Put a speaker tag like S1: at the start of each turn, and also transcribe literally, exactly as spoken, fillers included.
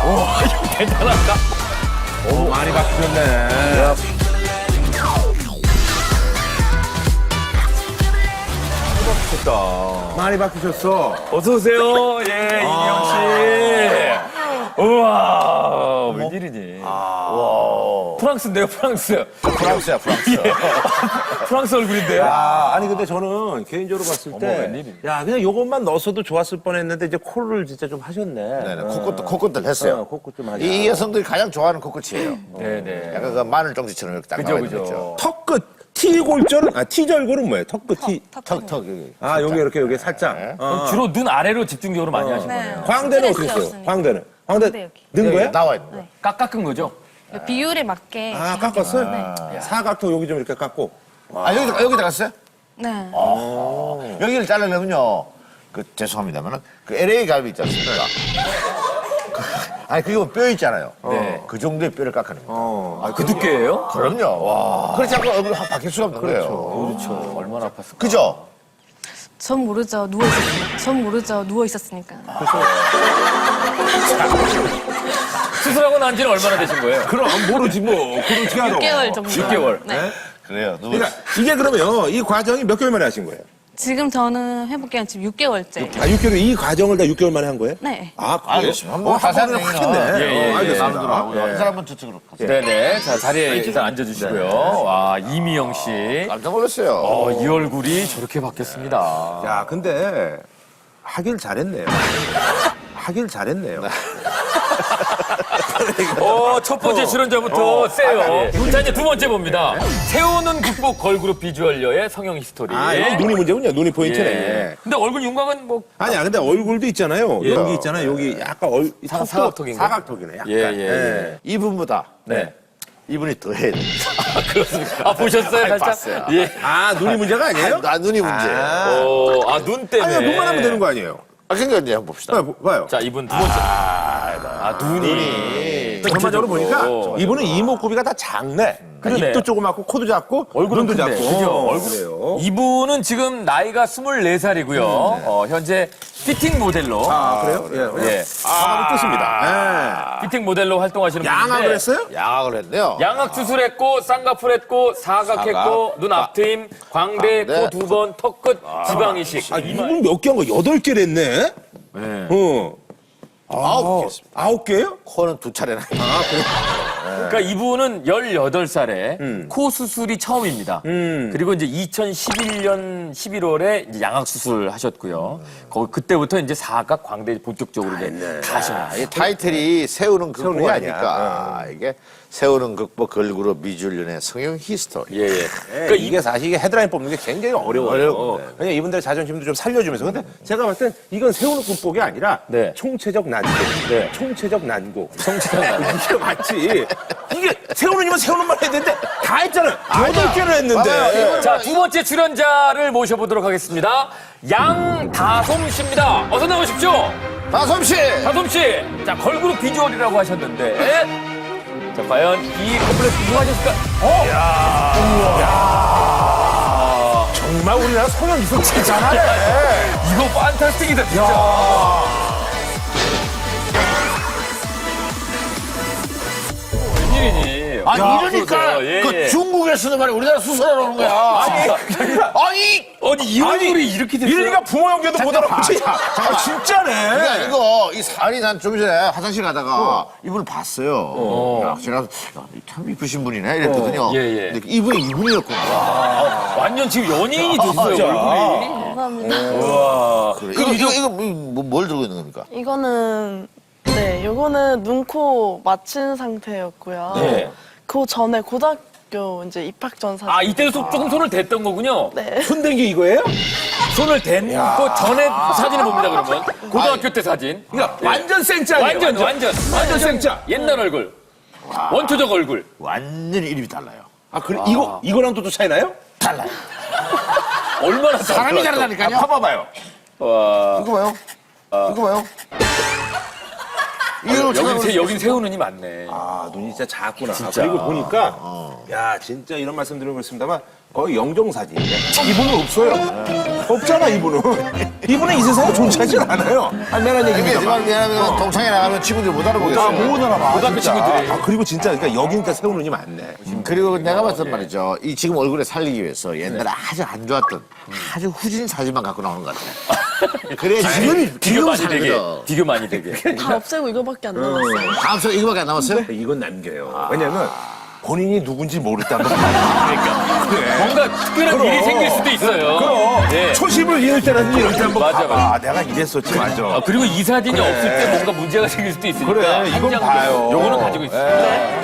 S1: 와, 이거 대단하다.
S2: 오, 많이 바뀌었네.
S1: 좋다.
S2: 많이 바뀌셨어.
S1: 어서 오세요. 예, 이미영 씨. 우와, 웬일이니? 와, 프랑스인데요, 프랑스.
S3: 프랑스야, 프랑스.
S1: 예. 프랑스 얼굴인데요.
S2: 아, 아니 근데 저는 개인적으로 봤을
S1: 어머,
S2: 때,
S1: 웬일이니?
S2: 야 그냥 요것만 넣었어도 좋았을 뻔했는데 이제 콜을 진짜 좀 하셨네.
S3: 네네, 코끝도, 코끝들 했어요.
S2: 어, 코끝 좀 하자.
S3: 이 여성들이 가장 좋아하는 코끝이에요.
S1: 네네.
S3: 약간 그 마늘 정지처럼 이렇게 딱
S1: 그죠,
S3: 나와 있는
S1: 그죠.
S3: 거죠.
S2: 턱끝 T골절은 아 T절골은 뭐예요? 턱끝 T.
S3: 턱, 턱, 여기.
S2: 아 여기 이렇게 여기 살짝.
S1: 그럼 주로 눈 아래로 집중적으로 많이 하신 거네요.
S2: 광대는 어떻게
S4: 스트레스
S2: 했어요?
S4: 없으니까.
S2: 광대는. 광대
S4: 광대 여기.
S2: 는
S3: 여기
S2: 거예요?
S3: 나와 있는 거.
S1: 깎, 깎은 거죠?
S4: 비율에 맞게.
S2: 아 깎았어요? 사각턱 여기 좀 이렇게 깎고.
S3: 아, 여기다, 여기다 갔어요?
S4: 네.
S3: 여기를 자르려면요. 그, 죄송합니다만은, 그 엘에이 갈비 있지 않습니까? 그, 아니, 그게 뼈 있잖아요.
S1: 네.
S3: 그 정도의 뼈를 깎아낸 거예요.
S2: 어.
S1: 아, 그 두께예요?
S3: 그럼요. 와. 그렇지 않고 얼굴이 확 바뀔 수가 없는 거예요.
S1: 그렇죠. 얼마나 아팠을까?
S3: 그죠?
S4: 전 모르죠. 누워 있었으니까. 전 모르죠. 누워 있었으니까.
S1: 수술하고 난 지는 얼마나 되신 거예요?
S2: 그럼 모르지 뭐. 그럼 어떻게 알아?
S4: 육 개월 정도.
S1: 육 개월.
S4: 네.
S3: 그래요. 누구
S2: 그러니까 이게 그러면 이 과정이 몇 개월 만에 하신 거예요?
S4: 지금 저는 회복기간 지금 육 개월째.
S2: 아 육 개월 이 과정을 다 육 개월 만에 한 거예요?
S4: 네.
S2: 아 그래요?
S3: 알겠습니다. 한번
S2: 어,
S3: 자세한
S2: 한번
S3: 얘기는
S2: 하겠네.
S1: 예, 예,
S2: 어, 알겠습니다.
S3: 남들로 하고요. 한 사람은 저쪽으로 가세요.
S1: 네네. 자, 자리에 일단 앉아주시고요. 와, 이미영 씨.
S3: 깜짝 놀랐어요.
S1: 어, 이 얼굴이 저렇게 바뀌었습니다.
S2: 야 근데 하길 잘했네요. 하길 잘했네요.
S1: 어, 첫 번째 출연자부터 세요. 자, 이제 두 번째 봅니다. 세우는 극복 걸그룹 비주얼녀의 성형 히스토리.
S2: 아 이게 눈이 문제군요. 눈이 포인트네.
S1: 예. 근데 얼굴 윤곽은 뭐.
S2: 아니야 근데 얼굴도 있잖아요.
S1: 예.
S2: 여기 있잖아요. 여기 약간 얼,
S1: 사-
S2: 턱도
S1: 사각턱인가?
S2: 사각턱이네. 약간.
S1: 예, 예, 예.
S3: 이분보다
S1: 네.
S3: 이분이 더 해야 됩니다.
S1: 아, 보셨어요?
S3: 아이,
S1: 살짝?
S3: 봤어요.
S1: 예.
S2: 아 눈이 문제가 아니에요?
S3: 나 눈이 문제예요.
S1: 어, 아, 눈 때문에.
S2: 아니 눈만 하면 되는 거 아니에요?
S3: 아, 그러니까 이제 한번 봅시다.
S2: 봐요. 봐요.
S1: 자, 이분 두 번째. 아, 눈이.
S2: 전반적으로 보니까
S1: 전체적으로.
S2: 이분은 이목구비가 다 작네.
S1: 그러네.
S2: 입도 조그맣고 코도 작고
S1: 얼굴은
S2: 눈도
S1: 큰데.
S2: 작고.
S1: 그죠?
S2: 어,
S1: 얼굴.
S2: 그래요.
S1: 이분은 지금 나이가 스물네 살이고요. 어, 현재 피팅 모델로.
S2: 아 그래요? 예.
S1: 예.
S2: 예. 아, 뜻입니다.
S1: 피팅 모델로 활동하시는
S2: 예.
S1: 분인데.
S2: 양악을 했어요?
S3: 양악을 했네요.
S1: 양악 수술했고, 쌍꺼풀 했고, 사각했고,
S3: 사각.
S1: 눈 앞트임, 광대,
S3: 광대.
S1: 코 두 번, 턱끝, 지방 이식.
S2: 아 이분 몇 개 한 거? 여덟 개를 했네?
S1: 네.
S2: 어.
S3: 아홉 개 했습니다.
S2: 아홉 개요?
S3: 코는 두 차례나.
S2: 아 그래.
S1: 그러니까 이분은 열여덟 살에
S2: 음.
S1: 코 수술이 처음입니다. 그리고 이제 이천십일 년 십일월에 이제 양악 수술 하셨고요. 거기 그때부터 이제 사각 광대 본격적으로 이제 다 하셨어요.
S3: 이 타이틀이 세우는 극복
S2: 세우는 게 아니야.
S3: 아니니까 이게 세우는 극복 걸그룹 미주연의 성형 히스토리.
S1: 예, 예.
S2: 그러니까 이게 사실 이게 헤드라인 뽑는 게 굉장히 어려워요.
S3: 어려운데.
S2: 왜냐 이분들의 자존심도 좀 살려주면서. 근데 제가 봤을 땐 이건 세우는 극복이 아니라
S1: 네.
S2: 총체적 난고.
S1: 네.
S2: 총체적 난고.
S1: 성취한 거.
S2: 이게 맞지. 이게 세우는이면 세우는 말 해야 되는데 다 했잖아요. 여덟 개를 했는데.
S3: 맞아요.
S1: 자, 두 번째 출연자를 모셔보도록 하겠습니다. 양다솜 씨입니다. 어서 나오십시오.
S3: 다솜 씨.
S1: 다솜 씨. 자, 걸그룹 비주얼이라고 하셨는데. 자, 과연 이 컴플렉스 누가 하셨을까? 어?
S2: 정말 우리나라 성형 이속 진짜 잘하네.
S1: 이거 판타스틱이다, 진짜. 웬일이니?
S3: 아니
S1: 야,
S3: 이러니까
S1: 그러세요. 예,
S3: 그
S1: 예.
S3: 중국에서는 말이야 우리나라 수술하러 오는 거야. 아니, 아니
S1: 아니, 이 얼굴이 이렇게 됐어요?
S2: 이러니까 부모 형제도 못 알아보지. 아, 진짜네.
S3: 그러니까 이거 이 살이 난 좀 전에 화장실 가다가 이분을 봤어요. 야, 제가 야, 참 이쁘신 분이네 이랬거든요.
S1: 예, 예.
S3: 근데 이분이 이분이었구나.
S1: 완전 지금 연예인이 됐어요, 얼굴이.
S4: 감사합니다.
S1: 우와.
S3: 그래. 이거 이거 이거 뭐, 뭘 들고 있는 겁니까?
S5: 이거는 네, 요거는 눈, 코 맞춘 상태였고요.
S1: 네.
S5: 그 전에 고등학교 이제 입학 전 사진.
S1: 아, 이때도 소- 조금 손을 댔던 거군요.
S5: 네.
S2: 손댄 게 이거예요?
S1: 손을 댄 거 전에 사진을 봅니다, 그러면. 고등학교 때 사진.
S2: 그러니까 완전 생짜예요.
S1: 완전, 완전.
S2: 완전 생짜.
S1: 옛날 얼굴. 원초적 얼굴.
S3: 완전히 이름이 달라요.
S2: 아 그래 이거 이거랑 또 또 차이나요?
S3: 달라요.
S1: 얼마나
S3: 사람이
S1: 달라요?
S3: 다르다니까요.
S2: 봐봐요.
S1: 와.
S3: 이거 봐요. 이거 봐요. 이걸
S1: 여긴,
S3: 찾아볼
S1: 세,
S3: 수
S1: 여긴 세우 눈이 많네.
S2: 아, 눈이 진짜 작구나.
S1: 진짜.
S2: 그리고 보니까,
S3: 어.
S2: 야, 진짜 이런 말씀 드리고 있습니다만, 거의 영정사진이야. 이분은 없어요. 없잖아, 이분은. 이분은 이 세상에 존재하지 않아요. 아, 미안한
S3: 이게
S2: 얘기입니다.
S3: 정말 미안하면 동창회 나가면 친구들 못 알아보겠어요.
S2: 아, 못 알아봐.
S1: 고등학교
S2: 진짜.
S1: 친구들이.
S2: 아, 그리고 진짜, 그러니까 여기니까 세우 눈이 많네.
S3: 그리고 내가 봤던 말이죠. 이 지금 얼굴에 살리기 위해서 옛날에 아주 안 좋았던 아주 후진 사진만 갖고 나오는 것 같아. 그래 지금이
S1: 비교
S3: 지금
S1: 많이 되게.
S3: 살거든.
S1: 비교 많이 되게.
S5: 다 없애고 이거밖에 안 남았어요.
S3: 다음 주 이거밖에 안 남았어요?
S2: 이건 남겨요. 왜냐면, 본인이 누군지 모르다는 거니까. 그래.
S1: 뭔가 특별한 일이 생길 수도 있어요.
S2: 그럼
S1: 예.
S2: 초심을 잃을 때라든지 이럴 때 한번
S1: 맞아,
S2: 봐봐.
S1: 맞아.
S2: 아, 내가 이랬었지, 맞아.
S1: 아, 그리고 이 사진이
S2: 그래.
S1: 없을 때 뭔가 문제가 생길 수도 있으니까.
S2: 그래,
S1: 한
S2: 이건
S1: 장
S2: 봐요.
S1: 요거는 가지고 있어요.